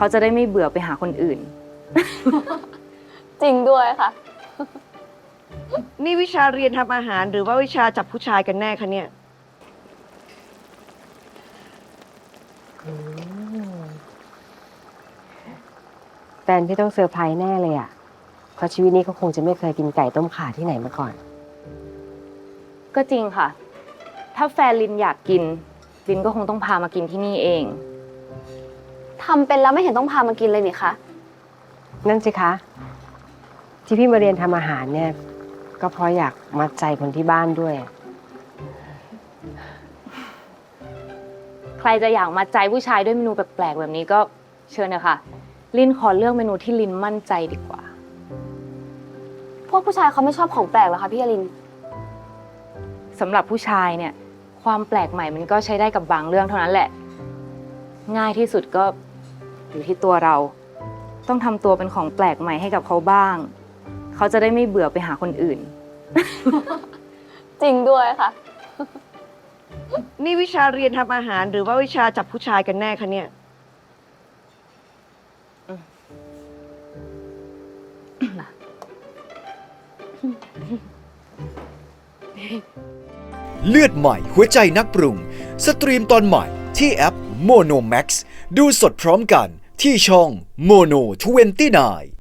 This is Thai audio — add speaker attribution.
Speaker 1: เขาจะได้ไม่เบื่อไปหาคนอื่น
Speaker 2: จริงด้วยค่ะ
Speaker 3: นี่วิชาเรียนทำอาหารหรือว่าวิชาจับผู้ชายกันแน่คะเนี่ย
Speaker 4: แฟนพี่ต้องเซอร์ไพรส์แน่เลยอ่ะเพราะชีวิตนี้เขาคงจะไม่เคยกินไก่ต้มข่าที่ไหนมาก่อน
Speaker 1: ก็จริงค่ะ ถ้าแฟนลินอยากกินลินก็คงต้องพามากินที่นี่เอง
Speaker 2: ทำเป็นแล้วไม่เห็นต้องพามากินเลยนี่คะ
Speaker 4: นั่นสิคะ ที่พี่มาเรียนทำอาหารเนี่ย ก็เพราะอยากมัดใจคนที่บ้านด้วย
Speaker 1: ใครจะอยากมาใจผู้ชายด้วยเมนูแปลกๆแบบนี้ก็เชิญเลยค่ะลินขอเลือกเมนูที่ลินมั่นใจดีกว่า
Speaker 2: พวกผู้ชายเขาไม่ชอบของแปลกเหรอคะพี่อลิน
Speaker 1: สำหรับผู้ชายเนี่ยความแปลกใหม่มันก็ใช้ได้กับบางเรื่องเท่านั้นแหละ ง่ายที่สุดก็อยู่ที่ตัวเรา ต้องทำตัวเป็นของแปลกใหม่ให้กับเขาบ้าง เขาจะได้ไม่เบื่อไปหาคนอื่น
Speaker 2: จริงด้วยค่ะ
Speaker 3: นี่วิชาเรียนทำอาหารหรือว่าวิชาจับผู้ชายกันแน่คะเนี่ย
Speaker 5: เลือดใหม่หัวใจนักปรุงสตรีมตอนใหม่ที่แอป Mono Max ดูสดพร้อมกันที่ช่อง Mono 29